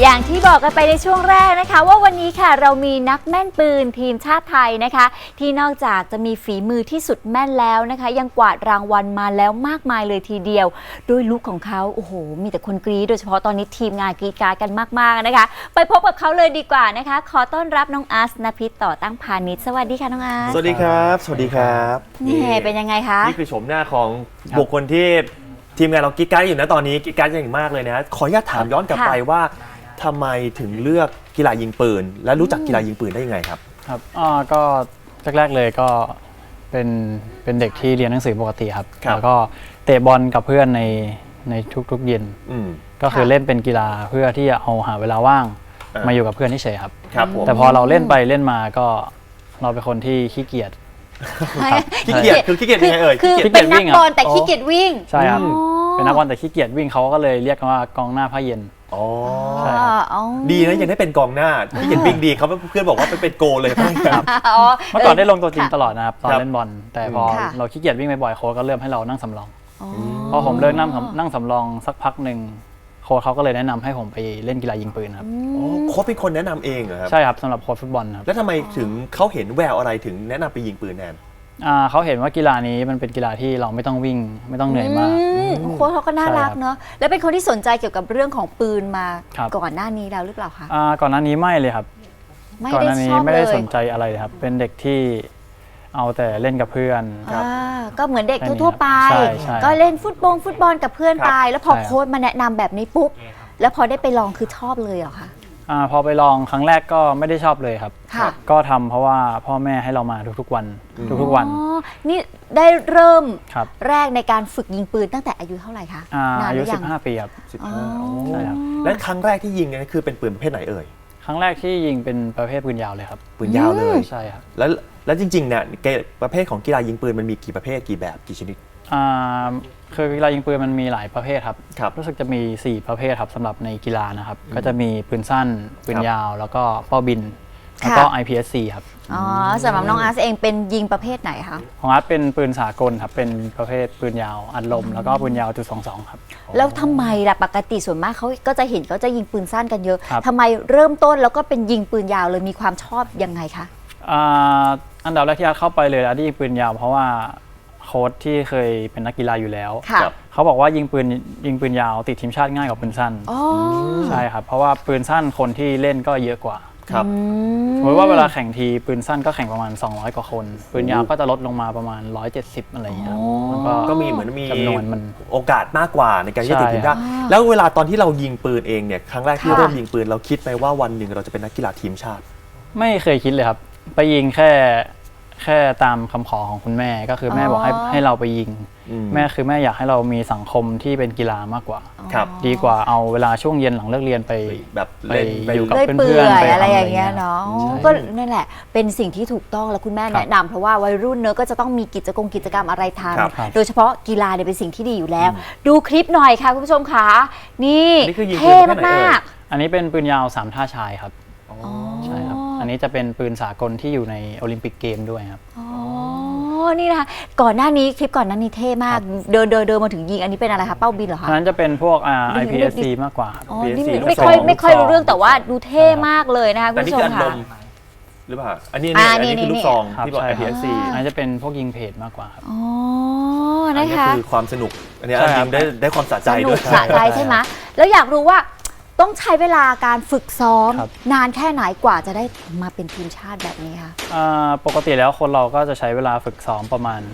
อย่างที่บอกกันไปในช่วงแรกนะคะว่าวันนี้ค่ะเรามีนักแม่นปืนทีมชาติไทยนะคะที่นอกจากจะมีฝีมือที่สุดแม่นแล้วนะคะยังกวาดรางวัลมาแล้วมากมายเลยทีเดียวด้วยลุคของเขาโอ้โหมีแต่คนกรี๊ดโดยเฉพาะตอนนี้ทีมงานกรี๊ดกราดกันมากๆนะคะไปพบกับเขาเลยดีกว่านะคะขอต้อนรับน้องอาร์ต ณภิษต่อตั้งพาณิชย์สวัสดีค่ะน้องอาร์ตสวัสดีครับสวัสดีครับนี่เป็นยังไงคะนี่คือโฉมหน้าของบุคคลที่ทีมงานเรากิ๊กกั๊กอยู่นะตอนนี้กิ๊กกั๊กอย่างมากเลยนะขออนุญาตถามย้อนกลับไปว่าทำไมถึงเลือกกีฬายิงปืนและรู้จักกีฬายิงปืนได้ยังไงครับครับก็แรกๆเลยก็เป็นเด็กที่เรียนหนังสือปกติครับแล้วก็เตะบอลกับเพื่อนในทุกๆเย็นก็คือเล่นเป็นกีฬาเพื่อที่จะเอาหาเวลาว่างมาอยู่กับเพื่อนเฉยๆครับแต่พอเราเล่นไปเล่นมาก็เราเป็นคนที่ขี้เกียจขี้เกียจคือขี้เกียจยังไงเอ่ยคือเป็นนักบอลแต่ขี้เกียจวิ่งใช่ครับเป็นนักบอลแต่ขี้เกียจวิ่งเขาก็เลยเรียกกันว่ากองหน้าผ้าเย็นดีนะยังได้เป็นกองหน้าขี้เกียจวิ่งดีเขาเพื่อนบอกว่าเป็นโกเลยครับเมื่อก่อนได้ลงตัวจริงตลอดนะครับตอนเล่นบอลแต่พอเราขี้เกียจวิ่งบ่อยๆโค้ชก็เริ่มให้เรานั่งสำรองพอผมเลิกนั่งสำรองสักพักหนึ่งโค้ชเขาก็เลยแนะนำให้ผมไปเล่นกีฬายิงปืนครับโค้ชเป็นคนแนะนำเองเหรอครับใช่ครับสำหรับโค้ชฟุตบอลครับแล้วทำไมถึงเขาเห็นแววอะไรถึงแนะนำไปยิงปืนแทนเขาเห็นว่ากีฬานี้มันเป็นกีฬาที่เราไม่ต้องวิ่งไม่ต้องเหนื่อยมากโค้ชเขาก็น่ารักเนอะแล้วเป็นคนที่สนใจเกี่ยวกับเรื่องของปืนมาก่อนหน้านี้แล้วหรือเปล่าคะก่อนหน้านี้ไม่เลยครับก่อนหน้านี้ไม่ได้สนใจอะไรครับเป็นเด็กที่เอาแต่เล่นกับเพื่อนก็เหมือนเด็กทั่วไปก็เล่นฟุตบอลกับเพื่อนไปแล้วพอโค้ชมาแนะนำแบบนี้ปุ๊บแล้วพอได้ไปลองคือชอบเลยเหรอคะพอไปลองครั้งแรกก็ไม่ได้ชอบเลยครับก็ทำเพราะว่าพ่อแม่ให้เรามาทุกๆวันนี่ได้เริ่มแรกในการฝึกยิงปืนตั้งแต่อายุเท่าไหร่คะอายุ15 ปีครับ 15ใช่ครับและครั้งแรกที่ยิงนี่คือเป็นปืนประเภทไหนเอ่ยครั้งแรกที่ยิงเป็นประเภทปืนยาวเลยครับปืนยาวเลยใช่ครับแล้วจริงๆเนี่ยประเภทของกีฬายิงปืนมันมีกี่ประเภทกี่แบบกี่ชนิดคือกีฬายิงปืนมันมีหลายประเภทครับรู้สึกจะมี4ประเภทครับสำหรับในกีฬานะครับก็จะมีปืนสั้นปืนยาวแล้วก็เป้าบินแล้วก็ IPSC ครับสำหรับน้องอาร์ตเองเป็นยิงประเภทไหนคะของอาร์ตเป็นปืนสากลครับเป็นประเภทปืนยาวอัดลมแล้วก็ปืนยาว.22ครับแล้วทำไมล่ะปกติส่วนมากเขาก็จะเห็นเขาจะยิงปืนสั้นกันเยอะทำไมเริ่มต้นแล้วก็เป็นยิงปืนยาวเลยมีความชอบยังไงคะอันดับแรกที่อาร์ตเข้าไปเลยอาร์ตยิงปืนยาวเพราะว่าโค้ชที่เคยเป็นนักกีฬาอยู่แล้วเขาบอกว่ายิงปืนยาวติดทีมชาติง่ายกว่าปืนสั้นใช่ครับเพราะว่าปืนสั้นคนที่เล่นก็เยอะกว่าสมมติว่าเวลาแข่งทีปืนสั้นก็แข่งประมาณ200 กว่าคนปืนยาวก็จะลดลงมาประมาณ170อะไรอย่างเงี้ยก็มีเหมือนมีจำนวนมันโอกาสมากกว่าในการที่จะติดทีมชาติแล้วเวลาตอนที่เรายิงปืนเองเนี่ยครั้งแรกที่เริ่มยิงปืนเราคิดไหมว่าวันหนึ่งเราจะเป็นนักกีฬาทีมชาติไม่เคยคิดเลยครับไปยิงแค่ตามคำขอของคุณแม่ก็คือแม่บอกให้เราไปยิงแม่อยากให้เรามีสังคมที่เป็นกีฬา มากกว่าดีกว่าเอาเวลาช่วงเย็นหลังเลิกเรียนไปแบบไปอยู่กับเพื่อนๆอะไรอย่างเงี้ยเนาะก็นั่นแหละเป็นสิ่งที่ถูกต้องแล้วคุณแม่แนะนำเพราะว่าวัยรุ่นเนอะก็จะต้องมีกิจกรรมอะไรทำโดยเฉพาะกีฬาเนี่ยเป็นสิ่งที่ดีอยู่แล้วดูคลิปหน่อยค่ะคุณผู้ชมค่ะนี่เท่มากๆอันนี้เป็นปืนยาว3 ท่าชายครับใช่ครับอันนี้จะเป็นปืนสากลที่อยู่ในโอลิมปิกเกมด้วยครับนี่นะคะก่อนหน้านี้คลิปก่อนหน้านี้เท่มากเดินมาถึงยิงอันนี้เป็นอะไรคะเป้าบินเหรอคะอันนั้นจะเป็นพวกIPSC มากกว่าไม่ค่อยรู้เรื่องแต่ว่าดูเท่มากเลยนะคะคุณผู้ชมค่ะหรือเปล่าอันนี้คือลูกซองที่บอก IPSC อันนี้จะเป็นพวกยิงเพจมากกว่าครับนะคะคือความสนุกอันนี้ยิงได้ความสะใจด้วยสะใจใช่ไหมแล้วอยากรู้ว่าต้องใช้เวลาการฝึกซ้อมนานแค่ไหนกว่าจะได้มาเป็นทีมชาติแบบนี้คะปกติแล้วคนเราก็จะใช้เวลาฝึกซ้อมประมาณ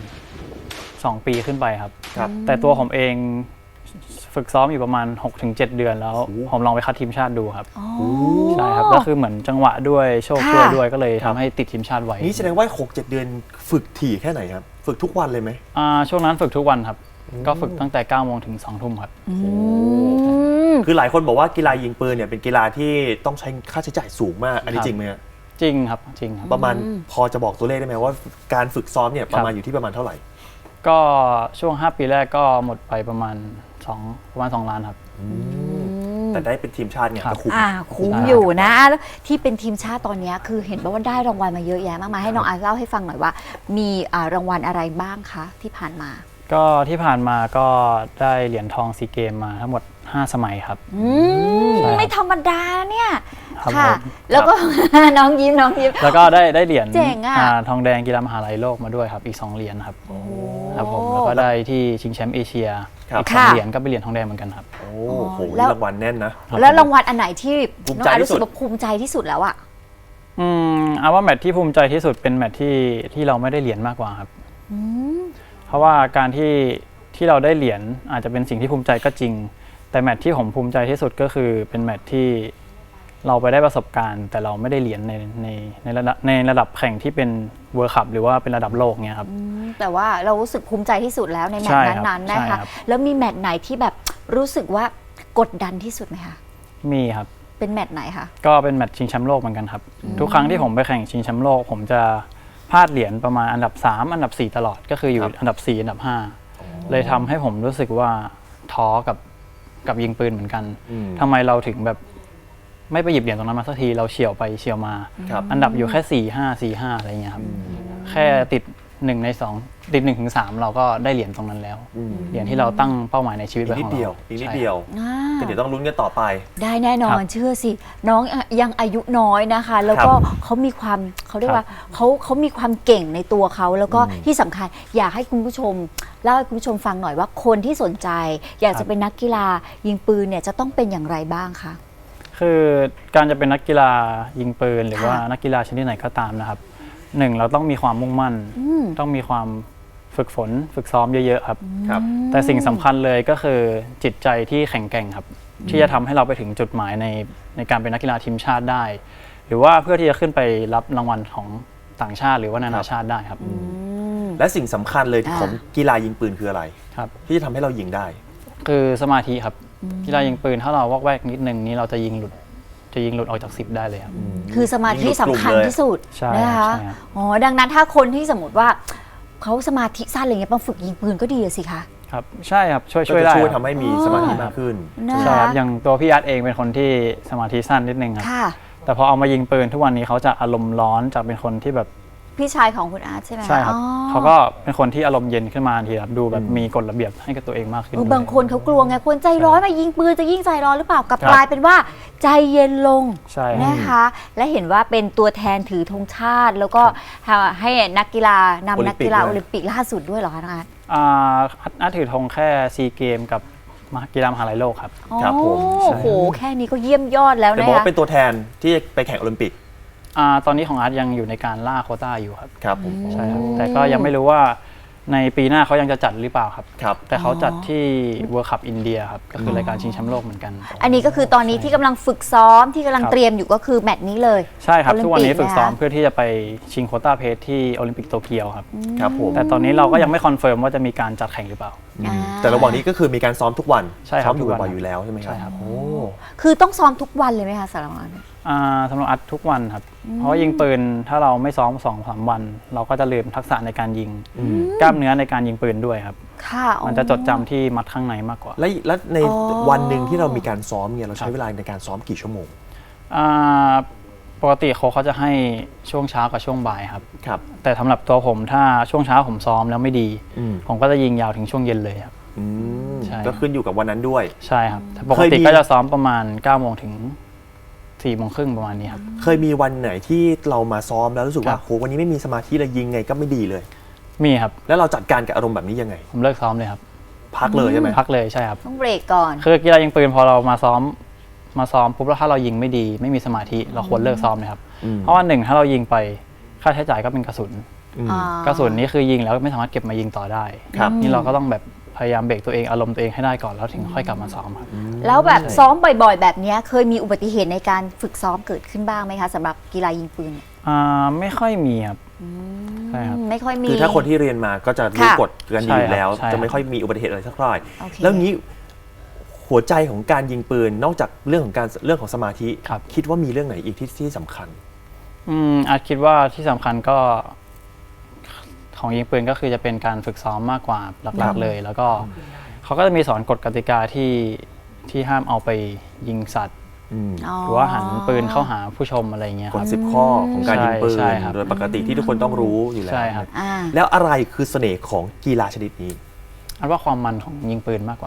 2 ปีขึ้นไปครับแต่ตัวผมเองฝึกซ้อมอยู่ประมาณ 6-7 เดือนแล้วผมลองไปคัดทีมชาติดูครับใช่ครับก็คือเหมือนจังหวะด้วยโชคช่วยด้วยก็เลยทำให้ติดทีมชาติไว้นี่แสดงว่า 6-7 เดือนฝึกถี่แค่ไหนครับฝึกทุกวันเลยไหมช่วงนั้นฝึกทุกวันครับก็ฝึกตั้งแต่9 โมงถึง2 ทุ่มครับคือหลายคนบอกว่ากีฬายิงปืนเนี่ยเป็นกีฬาที่ต้องใช้ค่าใช้จ่ายสูงมากอันนี้จริงไหมจริงครับจริงประมาณพอจะบอกตัวเลขได้ไหมว่าการฝึกซ้อมเนี่ยประมาณอยู่ที่ประมาณเท่าไหร่ก็ช่วง5 ปีแรกก็หมดไปประมาณ2 ล้านครับแต่ได้เป็นทีมชาติเนี่ยก็คุ้มอยู่นะแล้วที่เป็นทีมชาติตอนนี้คือเห็นว่าได้รางวัลมาเยอะแยะมากมายให้น้องอาร์ตเล่าให้ฟังหน่อยว่ามีรางวัลอะไรบ้างคะที่ผ่านมาก็ที่ผ่านมาก็ได้เหรียญทองซีเกมมาทั้งหมด 5 สมัยครับมใช่ครับไม่ธรรมดาเนี่ยครับค่ะผมแล้วก็ น้องยิ้มแล้วก็ได้เหรียญเจ๋งอะทองแดงกีฬามหาลัยโลกมาด้วยครับอีก 2 เหรียญครับครับผมแล้วก็ได้ที่ชิงแชมป์เอเชียครับอีก 2 เหรียญก็เป็นเหรียญทองแดงเหมือนกันครับโอ้โหแล้วรางวัลแน่นนะแล้วรางวัลอันไหนที่ภูมิน้องใจอาร์ตที่รู้สุสึดกว่าภูมิใจที่สุดแล้วอะเอาว่าแมตช์ที่ภูมิใจที่สุดเป็นแมตช์ที่เราไม่ได้เหรียญมากกว่าครับเพราะว่าการที่เราได้เหรียญอาจจะเป็นสิ่งที่ภูมิใจก็จริง แต่แมตช์ที่ผมภูมิใจที่สุดก็คือเป็นแมตช์ที่เราไปได้ประสบการณ์ แต่เราไม่ได้เหรียญในระดับแข่งที่เป็นเวิลด์คัพหรือว่าเป็นระดับโลกเนี่ยครับแต่ว่าเรารู้สึกภูมิใจที่สุดแล้วในแมตใช่ช์ครับนั้นๆนะใช่ครัคะบแล้วมีแมตช์ไหนที่แบบรู้สึกว่ากดดันที่สุดไหมคะมีครับเป็นแมตช์ไหนคะก็เป็นแมตช์ชิงแชมป์โลกเหมือนกันครับ ทุกครั้งที่ผมไปแข่งชิงแชมป์โลก ผมจะพลาดเหรียญประมาณอันดับ 3 อันดับ 4 ตลอดก็คืออยู่ครับอันดับ 4 อันดับ 5 เลยทำให้ผมรู้สึกว่าท้อกับยิงปืนเหมือนกัน ทำไมเราถึงแบบไม่ไปหยิบเหรียญตรงนั้นมาสักทีเราเฉี่ยวไปเฉี่ยวมาครับอันดับอยู่แค่ 4-5 อะไรเงี้ยครับแค่ติด1 ใน 2 ติด 1-3 เราก็ได้เหรียญตรงนั้นแล้ว เหรียญที่เราตั้งเป้าหมายในชีวิตอีกไว้นิขดองเดียวเราอีกนิดใช่เดียวก็เดี๋ยวต้องลุ้นกันต่อไปได้แน่นอนเชื่อสิ น้องยังอายุน้อยนะคะ แล้วก็เขามีความเขาเรียกว่าเขามีความเก่งในตัวเขาแล้วก็ที่สำคัญอยากให้คุณผู้ชมเล่าให้คุณผู้ชมฟังหน่อยว่าคนที่สนใจ อยากจะเป็นนักกีฬายิงปืนเนี่ยจะต้องเป็นอย่างไรบ้างคะคือการจะเป็นนักกีฬายิงปืนหรือว่าค่ะนักกีฬาชนิดไหนก็ตามนะครับหนึ่งเราต้องมีความมุ่งมั่น ต้องมีความฝึกฝนฝึกซ้อมเยอะๆครับครับแต่สิ่งสำคัญเลยก็คือจิตใจที่แข็งแกร่งครับ ที่จะทำให้เราไปถึงจุดหมายในการเป็นนักกีฬาทีมชาติได้ หรือว่าเพื่อที่จะขึ้นไปรับรางวัลของต่างชาติหรือว่านานาชาติได้ครับและสิ่งสำคัญเลยของกีฬายิงปืนคืออะไรครับที่จะทำให้เรายิงได้คือสมาธิครับกีฬายิงปืนถ้าเราวอกแวกนิดนึงนี้เราจะยิงหลุดออกจาก10ได้เลยครับคือสมาธิสำคัญที่สุดใช่นะคะใช่ครับอ๋อดังนั้นถ้าคนที่สมมติว่าเขาสมาธิสั้นอะไรเงี้ยมาฝึกยิงปืนก็ดีอะสิคะครับใช่ครับช่วยก็จะได้ช่วยคทำรับให้มีสมาธิมากขึ้นนะใช่คคะรับอย่างตัวพี่อาร์ตเองเป็นคนที่สมาธิสั้นนิดนึงครับค่ะแต่พอเอามายิงปืนทุกวันนี้เขาจะอารมณ์ร้อนจากเป็นคนที่แบบพี่ชายของคุณอาร์ตใช่ไหมะใช่ครับอ๋อเขาก็เป็นคนที่อารมณ์เย็นขึ้นมาทันทีครับดูแบบมีกฎระเบียบให้กับตัวเองมากขึ้นบางคนเขากลัวไงคนใจร้อนมายิงปืนจะยิ่งใจร้อนหรือเปล่ากลับครับกลายเป็นว่าใจเย็นลงใช่ครับนะคะ และเห็นว่าเป็นตัวแทนถือธงชาติ แล้วก็ให้นักกีฬานำนักกีฬาโอลิมปิกล่าสุดด้วยเหรอคะน้องอาร์ตอาร์ตถือธงแค่ซีเกมกับกีฬามหาลัยโลกครับครับผมโอ้โหแค่นี้ก็เยี่ยมยอดแล้วแต่นะบอกคะว่าเป็นตัวแทนที่ไปแข่งโอลิมปิกตอนนี้ของอาร์ตยังอยู่ในการล่าโควต้าอยู่ครับครับผมใช่ครับแต่ก็ยังไม่รู้ว่าในปีหน้าเขายังจะจัดหรือเปล่าครับครับแต่เขาจัดที่ World Cup อินเดียครับก็คือรายการชิงแชมป์โลกเหมือนกันอันนี้ก็คือตอนนี้ที่กำลังฝึกซ้อมที่กำลังครับเตรียมอยู่ก็คือแมตช์นี้เลยใช่ครับโอลิมปิกทุกวันนี้ฝึกซ้อมนะคะเพื่อที่จะไปชิงโควต้าเพชรที่โอลิมปิกโตเกียวครับครับผมแต่ตอนนี้เราก็ยังไม่คอนเฟิร์มว่าจะมีการจัดแข่งหรือเปล่าแต่ระหว่างนี้ก็คือมีการซ้อมทุกวันใช่ครับซ้อมอยู่ทุกวันบ่อยๆอยู่แล้วใช่ไหมครับใช่ครับโอ้คือต้องซ้อมทุกวันเลยไหมคะสารวัตรสำหรับอัดทุกวันครับ เพราะว่ายิงปืนถ้าเราไม่ซ้อม 2-3 วัน เราก็จะลืมทักษะในการยิง กล้ามเนื้อในการยิงปืนด้วยครับค่ะอ๋อมันจะจดจำที่มัดข้างในมากกว่าแล้วในอ๋อวันหนึ่งที่เรามีการซ้อมเนี่ยเราใช้เวลาในการซ้อมกี่ชั่วโมงอ่าปกติโค้ชเขาจะให้ช่วงเช้ากับช่วงบ่ายครับครับแต่สำหรับตัวผมถ้าช่วงเช้าผมซ้อมแล้วไม่ดีอืมผมก็จะยิงยาวถึงช่วงเย็นเลยครับอืมใช่ก็ขึ้นอยู่กับวันนั้นด้วยใช่ครับแต่ปกเคยติมีก็จะซ้อมประมาณ9 โมงถึง4 โมงครึ่งประมาณนี้ครับเคยมีวันไหนที่เรามาซ้อมแล้วรู้สึกครัว่าบโหวันนี้ไม่มีสมาธิเลยยิงไงก็ไม่ดีเลยมีครับแล้วเราจัดการกับอารมณ์แบบนี้ยังไงผมเลิกซ้อมเลยครับพักเลยใช่ไหมพักเลยใช่ครับต้องเบรกก่อนคือกีฬายิงปืนพอเรามาซ้อมปุ๊บแล้วถ้าเรายิงไม่ดี ไม่มีสมาธิเราควรเลิกซ้อมเลยครับอืมเพราะว่าหนึ่งถ้าเรายิงไปค่าใช้จ่ายก็เป็นกระสุนอืมกระสุนนี้คือยิงแล้วไม่สามารถเก็บมายิงต่อได้ครับนี่เราก็ต้องแบบพยายามเบรกตัวเองอารมณ์ตัวเองให้ได้ก่อนแล้วถึงค่อยกลับมาซ้อมครับแล้วแบบซ้อมบ่อยๆ แบบเนี้ยเคยมีอุบัติเหตุในการฝึกซ้อมเกิดขึ้นบ้างไหมคะสำหรับกีฬายิงปืนเนี่ยไม่ค่อยมีครับใช่ครับไม่ค่อยมีคือถ้าคนที่เรียนมาก็จะรู้ค่ะกฎกันอยู่แล้วใช่ครับจะไม่ค่อยมีอุบัติเหตุอะไรสักเท่าไหร่โอเคแล้วงี้หัวใจของการยิงปืนนอกจากเรื่องของสมาธิครับคิดว่ามีเรื่องไหนอีกที่สำคัญอาจคิดว่าที่สำคัญก็ของยิงปืนก็คือจะเป็นการฝึกซ้อมมากกว่าหครัลักบๆเลย แล้วก็เขาก็จะมีสอนกฎกติกาที่ห้ามเอาไปยิงสัตว์ หรือว่าหันปืนเข้าหาผู้ชมอะไรอย่างเงี้ยกคฎรับ 10 ข้อของการยิงปืนใช่ครับโดยปกติที่ทุกคนต้องรู้อยู่แล้วใช่ครับอ่าแล้วอะไรคือเสน่ห์ของกีฬาชนิดนี้อันว่าความมันของยิงปืนมากกว่าครับ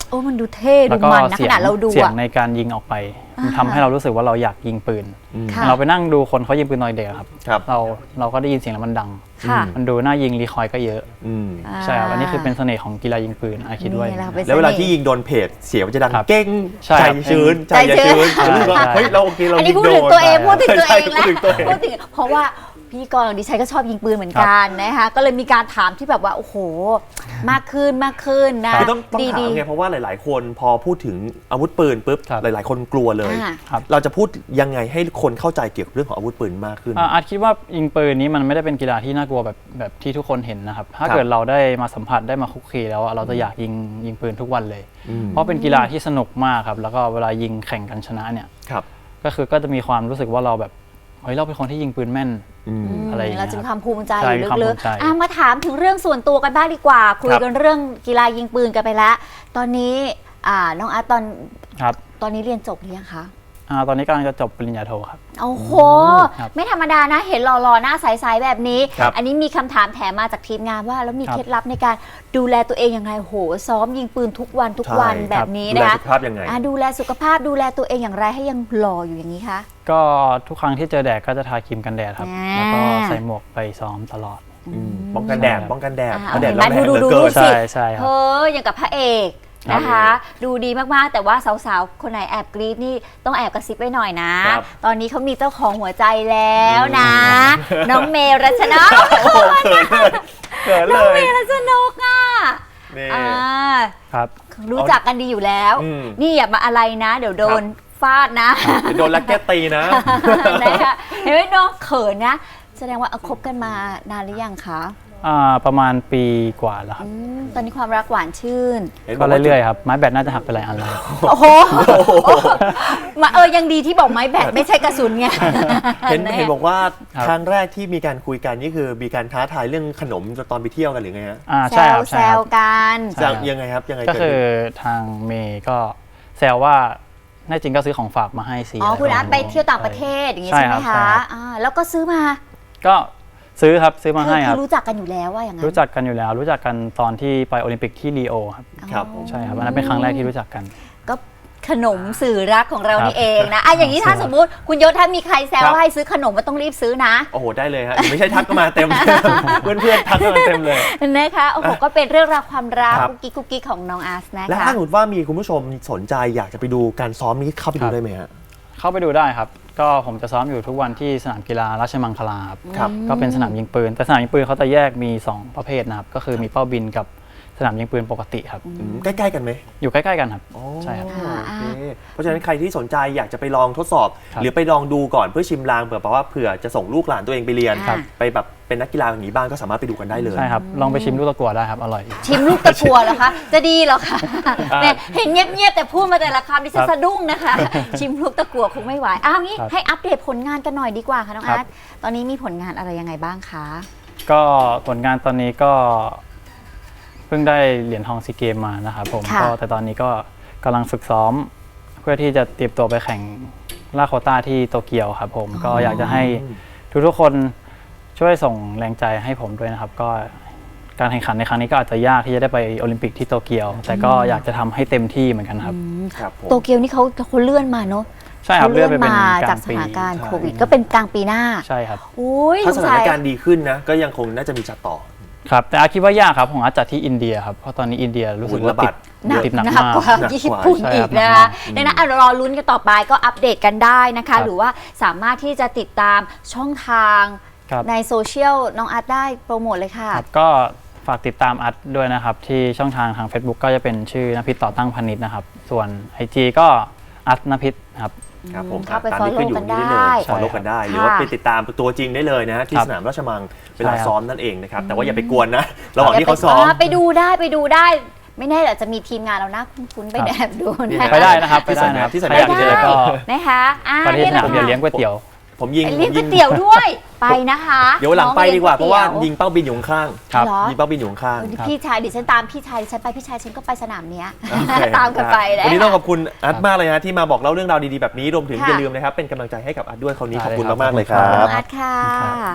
โอ้มันดูเท่แล้ดูวก็มันนะขนาดเราดูเสียงอะในการยิงออกไปมันทำให้เรารู้สึกว่าเราอยากยิงปืนค่ะเราไปนั่งดูคนเขายิงปืนตอนเด็กครับครับเราก็ได้ยินเสียงแล้วมันดังค่ะมันดูน่ายิงรีคอยล์ก็เยอะอืมใช่ครับอันนี้คือเป็นเสน่ห์ของกีฬายิงปืนคิดด้วยนี่แหละเป็นแล้วเวลาสน่ห์ที่ยิงโดนเพจเสียงมันจะดังครับเก้งใช่ใจครับชื้นใจใจอย่าชื้ชื้นนรู้สึกว่าใช่เฮ้ยเราโอเคเราอันยินี้งพูดโดถึงนตัวเองพูดถึงตัวใช่เองพูดนะถึงตัวเองพูดถึงเพราะว่าพ พิธีกรของดิฉันก็ชอบยิงปืนเหมือนกันนะคะก็เลยมีการถามที่แบบว่าโอ้โหมากขึ้นนะคือต้องถามดีไงเพราะว่าหลายๆ คนพอพูดถึงอาวุธปืนปุ๊บครับหลายๆ คนกลัวเลยครับเราจะพูดยังไงให้คนเข้าใจเกี่ยวกับเรื่องของอาวุธปืนมากขึ้นอาจคิดว่ายิงปืนนี้มันไม่ได้เป็นกีฬาที่น่ากลัวแบบที่ทุกคนเห็นนะครับถ้าครับเกิดเราได้มาสัมผัสได้มาคุกคีแล้วเราจะอยากยิงปืนทุกวันเลยอืมเพราะเป็นกีฬาที่สนุกมากครับแล้วก็เวลายิงแข่งกันชนะเนี่ยครับก็จะมีความรู้สึกว่าเราแบบเฮ้ยเราเป็นคนที่ยิงปืนแม่นอืมอะไรอย่างเงี้ยเราจะมีความภูมิใจใช่อยู่มีความลึภูกมิใจๆมาถามถึงเรื่องส่วนตัวกันบ้างดีกว่า คุยกันเรื่องกีฬายิงปืนกันไปแล้ว ตอนนี้น้องอาร์ตครับตอนนี้เรียนจบหรือยังคะตอนนี้กำลังจะจบปริญญาโทครับโอ้โหครับไม่ธรรมดานะ เห็นหล่อๆหน้าใสๆแบบนี้ครับอันนี้มีคำถามแถมมาจากทีมงานว่าแล้วมีครับเคล็ดลับในการดูแลตัวเองยังไงโหซ้อมยิงปืนทุกวันใช่แบบนี้ดูแลนะคะสุขภาพยังไงดูแลสุขภาพดูแลตัวเองอย่างไรให้ยังหล่ออยู่อย่างนี้คะก็ทุกครั้งที่เจอแดดก็จะทาครีมกันแดดครับอ่าแล้วก็ใส่หมวกไปซ้อมตลอดป้องกันแดดใช่ครับป้องกันแดดอ่าเพราะแดดเห็นไหมร้อนแรงเหลือดูเกินสิใช่ครับอย่างกับพระเอกนะคะ ดูดีมากๆแต่ว่าสาวๆคนไหนแอบกรี๊ดนี่ต้องแอบกระซิบไว้หน่อยนะครับตอนนี้เขามีเจ้าของหัวใจแล้วนะ น้องเมรัชนกโอ้โหเขินน้เลองเมยรัชนกอ่ะนี่อ่าครับรู้จักกันดีอยู่แล้วอืมนี่อย่ามาอะไรนะ เดี๋ยวโดนฟาดนะเดี๋ยวโดนลักแก้ตีนะนะคะเห็นไหมน้องเขินนะ แสดงว่าคบกันมานานหรือยังคะประมาณปีกว่าแล้วครับตอนนี้ความรักหวานชื่นก็เรื่อยๆครับไม้แบตน่าจะหักไปหลายอันแล้วโอ้โหมายังดีที่บอกไม้แบตไม่ใช่กระสุนไงเห็นบอกว่าครับครั้งแรกที่มีการคุยกันนี่คือมีการท้าทายเรื่องขนมตอนไปเที่ยวกันหรือไงฮะแซใช่คว รับแซใช่คว รับกันใช่ครับยังไงครับยังไงก็เกิดคือขึ้นทางเมย์ก็แซวว่าแน่จริงก็ซื้อของฝากมาให้สิอ๋อคุณอาร์ตะไปรเที่ยวต่างประเทศอย่างงี้ใช่ใช่ไหมครัคะบแล้วก็ซื้อมาก็ซื้อมาให้คคืรับรู้จักกันอยู่แล้วว่าอย่างนั้นรู้จักกันอยู่แล้ว รู้จักกันตอนที่ไปโอลิมปิกที่รีโอครับครับใช่ครับอันนั้นเป็นครั้งแรกที่รู้จักกันก็ขนมสื่อรักของเราครับนี่เองนะอย่างนี้ถ้าสมมุติคุณยศถ้ามีใครแซวครับว่าให้ซื้อขนมมันต้องรีบซื้อนะโอ้โหได้เลยฮะไม่ใช่ทักก็มาเต็ม เพื่อนๆทักก็มาเต็มเลยนะคะโอ้โหก็เป็นเรื่องราวความรักครับกุ๊กกิ๊กของน้องอาร์ตนะและคะถ้าสมมติว่ามีคุณผู้ชมสนใจอยากจะไปดูการซ้อมนี้เข้าไปดูได้ไหมฮะเข้าไปดูได้ครับ ก็ผมจะซ้อมอยู่ทุกวันที่สนามกีฬาราชมังคลาครับครับก็เป็นสนามยิงปืน แต่สนามยิงปืนเขาจะแยกมี 2 ประเภทนะครับ ก็คือมีเป้าบินกับสนามยิงปืนปกติครับใกล้ๆกันไหมอยู่ใกล้ๆกันครับอ๋อใช่ครับโอเคเพราะฉะนั้นใครที่สนใจอยากจะไปลองทดสอบครับหรือไปลองดูก่อนเพื่อชิมลางเผื่อจะส่งลูกหลานตัวเองไปเรียนครับไปแบบเป็นนักกีฬาอย่างนี้บ้างก็สามารถไปดูกันได้เลยใช่ครับ ลองไปชิมลูกตะกั่วได้ครับ อร่อยชิมลูกตะกัวเหรอคะ จะดีเหรอคะเนี่ยเห็นเงียบๆแต่พูดมาแต่ละคำดิฉันครับสะดุ้งนะคะ ชิมลูกตะกัวคงไม่ไหวงี้ครับให้อัปเดตผลงานกันหน่อยดีกว่าค่ะน้องครัอาร์บตตอนนี้มีผลงานอะไรยังไงบ้างคะก็ผลงานตอนนี้ก็เพิ่งได้เหรียญทองซีเกมมานะครับผมค่ะก็แต่ตอนนี้ก็กำลังฝึกซ้อม เพื่อที่จะเตรียมตัวไปแข่งล่าโควต้าที่โตเกียวครับผมก็อยากจะให้ทุกๆคนช่วยส่งแรงใจให้ผมด้วยนะครับ ก็การแข่งขันในครั้งนี้ก็อาจจะยากที่จะได้ไปโอลิมปิกที่โตเกียว แต่ก็อยากจะทำให้เต็มที่เหมือนกันครับครับผมโตเกียวนี่เขาเลื่อนมาเนอะใช่ครับขาเลื่อนไปเป็นมากลาจากงสปีถานการณ์ใช่โควิดก็เป็นกลางปีหน้าใช่ครับอุ้ยถ้าสสงถาสันยการณ์ดีขึ้นนะก็ยังคงน่าจะมีจัดต่อครับแต่อาคิดว่ายากครับผมอาจจัดที่อินเดียครับเพราะตอนนี้อินเดียรู้สึกว่าระบาดติดหนักหนักมากกว่าหนักกว่าญี่ปุ่นใช่อีครักบนะคะ ดังนั้นรอลุ้นกันต่อไปก็อัปเดตกันได้นะคะครับหรือว่าสามารถที่จะติดตามช่องทางครับในโซเชียลน้องอาร์ตได้โปรโมทเลยค่ะครับก็ฝากติดตามอัดด้วยนะครับ ที่ช่องทาง Facebook ก็จะเป็นชื่อนภิษต่อตั้งพานิชนะครับ ส่วน IG ก็อัดนภิษครับครับผมเข้าไปตามที่ขึ้นอยู่ follow นี้ได้เลกันได้ย follow กันได้ค่ะหรือว่าไปติดตามตัวจริงได้เลยนะที่ครับสนามราชมังเวลาใช่ครับซ้อมนั่นเองนะครับแต่ว่าอย่าไปกวนนะระหว่างที่เขาซ้อมไปดูได้ไม่แน่อาจจะมีทีมงานเรานะคุ้นๆไปแอบดูนะไปได้นะครับไปได้นะครับที่สนามใครอยากเจอก็นะคะประเทศนี่สแหนาละมเดียวเลี้ยงก๋วยเตี๋ยวผมยิงไปเลี้ยงก๋วยเตี๋ยวด้วยไปนะคะเดี๋ยวหลังไปดีกว่าเพราะว่าน้องยิงเป้าบินอยู่ข้างครับเหรอยิงเป้าบินอยู่ข้างพี่ชายดิฉันตามพี่ชายดิฉันไปพี่ชายฉันก็ไปสนามเนี้ยโอเคตามกันไปนะวันนี้ต้องขอบคุณอัดมากเลยนะที่มาบอกเล่าเรื่องราวดีๆแบบนี้รวมถึงค่ะอย่าลืมนะครับเป็นกำลังใจให้กับอัดด้วยคราวนี้ได้ขอบคุณเลยครับมากๆเลยคขอบรัคุณบอาร์ตค่ะ